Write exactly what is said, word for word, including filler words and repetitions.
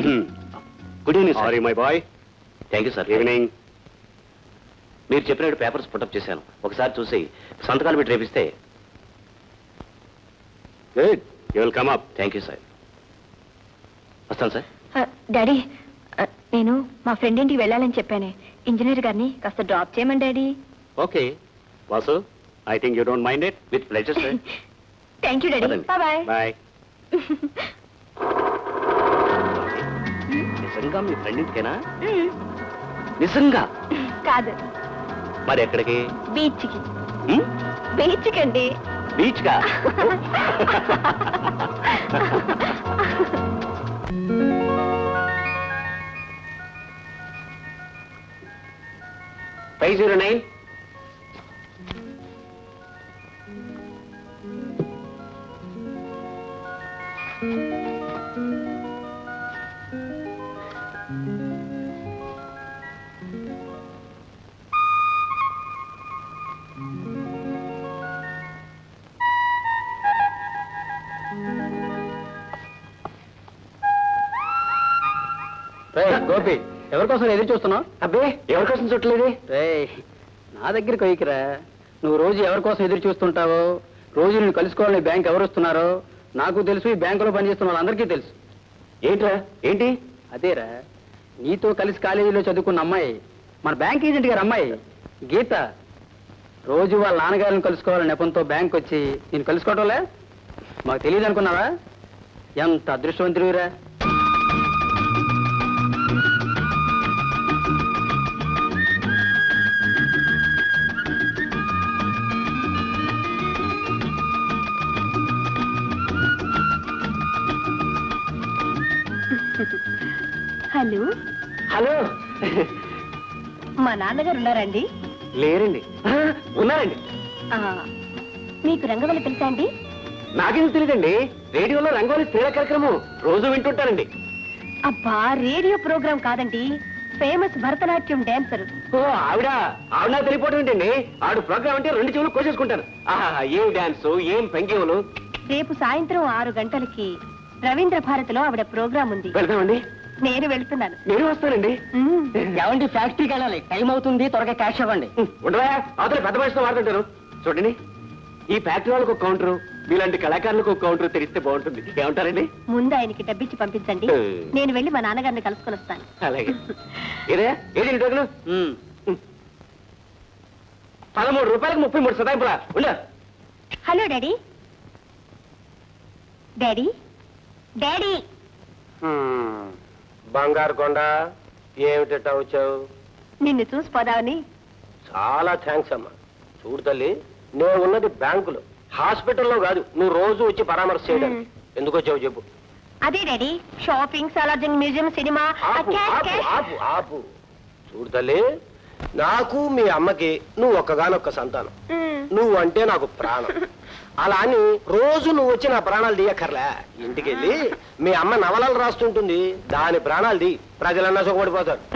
Sir. Good evening sorry my boy. Thank you sir. Evening. మీరు చెప్పినట్టు papers put up చేశాను, ఒకసారి చూసి సంతకాలు పెట్టి రేపిస్తే. Good, you will come up. Thank you sir. వస్తాను సార్. డాడీ, నేను మా ఫ్రెండ్ ఇంటికి వెళ్ళాలని చెప్పానే, ఇంజనీర్ గారిని కాస్త డ్రాప్ చేయమని daddy. Okay Vasu, I think you don't mind it. With pleasure sir. Thank you daddy. Bye bye. నిజంగా మీ ఫ్రెండ్ ఇంటికేనా? నిజంగా కాదు, మరి ఎక్కడికి? బీచ్ కి. బీచ్ కండి. బీచ్ కా? Five zero nine. గోపి, ఎవరికోసం ఎదురు చూస్తున్నావు? అబ్బే, ఎవరికోసం చుట్టలేదు. నా దగ్గరికి వైకిరా. నువ్వు రోజు ఎవరికోసం ఎదురు చూస్తుంటావో, రోజు నేను కలుసుకోవాలని బ్యాంక్ ఎవరు వస్తున్నారో నాకు తెలుసు, ఈ బ్యాంకులో పనిచేస్తున్న వాళ్ళందరికీ తెలుసు. ఏంట్రా? ఏంటి? అదేరా, నీతో కలిసి కాలేజీలో చదువుకున్న అమ్మాయి, మన బ్యాంక్ ఏజెంట్ గారు అమ్మాయి గీత, రోజు వాళ్ళ నాన్నగారిని కలుసుకోవాలని నెపంతో బ్యాంక్ వచ్చి నేను కలుసుకోవటంలే మాకు తెలియదు అనుకున్నావా? ఎంత అదృష్టవంతుడివిరా. Hello hello. మా నాన్నగారు ఉన్నారండి? లేరండి. ఆ, ఉన్నారండి. ఆ, మీకు రంగవల్లి తెలుసా అండి? నాకెందుకు తెలియదండి. రేడియోలో రంగోలి క్రీడా కార్యక్రమం రోజు వింటుంటానండి. అబ్బా, రేడియో ప్రోగ్రాం కాదండి, ఫేమస్ భరతనాట్యం డాన్సర్. ఓ ఆవిడ ఆవిడ నాకు తెలియపోవడం ఏంటండి. ఆవిడ ప్రోగ్రామ్ అంటే రెండు చెవులు కోసేసుకుంటాను. ఆహా, ఏం డాన్స్, ఏం పెంగ్యములు. రేపు సాయంత్రం ఆరు గంటలకి రవీంద్ర భారతిలో ఆవిడ ప్రోగ్రాం ఉంది. వెళ్తామండి. నేను వెళ్తున్నాను. నేను వస్తానండి. ఏమండి, ఫ్యాక్టరీకి వెళ్ళాలి, టైం అవుతుంది, త్వరగా క్యాష్ ఇవ్వండి. ఉండవా, అవతల పెద్ద మనిషితో వాడుతుంటారు. చూడండి, ఈ ఫ్యాక్టరీ వాళ్ళకు ఒక కౌంటర్, మీలాంటి కళాకారులకు ఒక కౌంటర్ తెరిస్తే బాగుంటుంది. ఏమంటారండి? ముందు ఆయనకి డబ్బిచ్చి పంపించండి, నేను వెళ్ళి మా నాన్నగారిని కలుసుకొని వస్తాను. అలాగే. ఏదే ఏది డోకులు? పదమూడు రూపాయలకు ముప్పై మూడు సదాయింపులా ఉండ. Hello daddy. డాడీ డాడీ బంగారు కొండ, ఏమిటట్టా వచ్చావు? నిన్ను చూసిపోదామని. చాలా థ్యాంక్స్ అమ్మా. చూడు తల్లి, నేను ఉన్నది బ్యాంకులో, హాస్పిటల్లో కాదు. నువ్వు రోజు వచ్చి పరామర్శ చేయడానికి. ఎందుకు వచ్చావు చెప్పు. అదే daddy, shopping, Salarjung museum, cinema. ఆపు ఆపు ఆపు ఆపు చూడు తల్లి, నాకు మీ అమ్మకి నువ్వు ఒక్కగానొక్క సంతానం. నువ్వు అంటే నాకు ప్రాణం. అలా అని రోజు నువ్వు వచ్చి నా ప్రాణాలు తీయక్కర్లే. ఇంటికెళ్ళి మీ అమ్మ నవలలు రాస్తుంటుంది, దాని ప్రాణాలు తీ, ప్రజలన్నా సుఖపడిపోతారు.